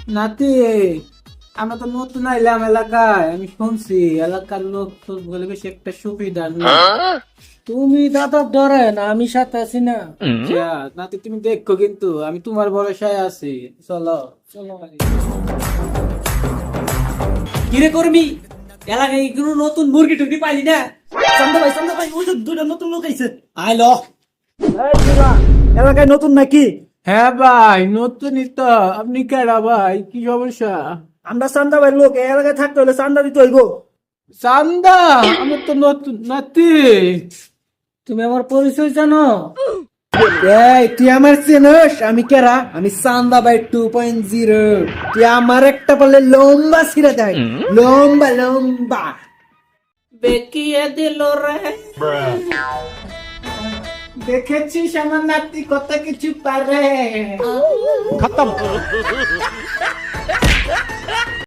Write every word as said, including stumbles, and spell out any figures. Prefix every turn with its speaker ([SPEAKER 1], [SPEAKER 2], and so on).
[SPEAKER 1] নাতি, আমরা তো নতুন আইলাম এলাকায়, আমি শুনছি এলাকার লোক তো বলে বেশি একটা সুবিধা না।
[SPEAKER 2] তুমি দাদা ধরেন, আমি সাথে আছি না।
[SPEAKER 1] আচ্ছা, নাতি তুমি দেখো, কিন্তু আমি তোমার ভরসায় আছি। চলো চলো।
[SPEAKER 2] কিরে করবি এলাকায় কোনো নতুন মুরগি টুরগি পাইলি না? চান্দা ভাই, চান্দা ভাই, ওই তো দুইটা নতুন লোক আইছে। আইল এলাকায় নতুন নাকি?
[SPEAKER 1] হ্যাঁ ভাই, নতুনই তো। আপনি কেডা ভাই, কি সমস্যা?
[SPEAKER 2] আমরা চান্দা ভাই লোক, এই এলাকায় থাকতে হলে চান্দা দিতে হইব।
[SPEAKER 1] চান্দা? আমি তো নতুন নাতি।
[SPEAKER 2] তুমি আমার পরিচয় জানো?
[SPEAKER 3] এই তুই আমার চেনস? আমি কেরা? আমি চান্দা বাই টু পয়েন্ট জিরো। তুই আমার একটা বললে লম্বা ছিঁড়ে দেয়, লম্বা লম্বা।
[SPEAKER 1] বেকিয়ে দিল রে। দেখেছিস আমার নাতি কত কিছু পারে।
[SPEAKER 3] খতম।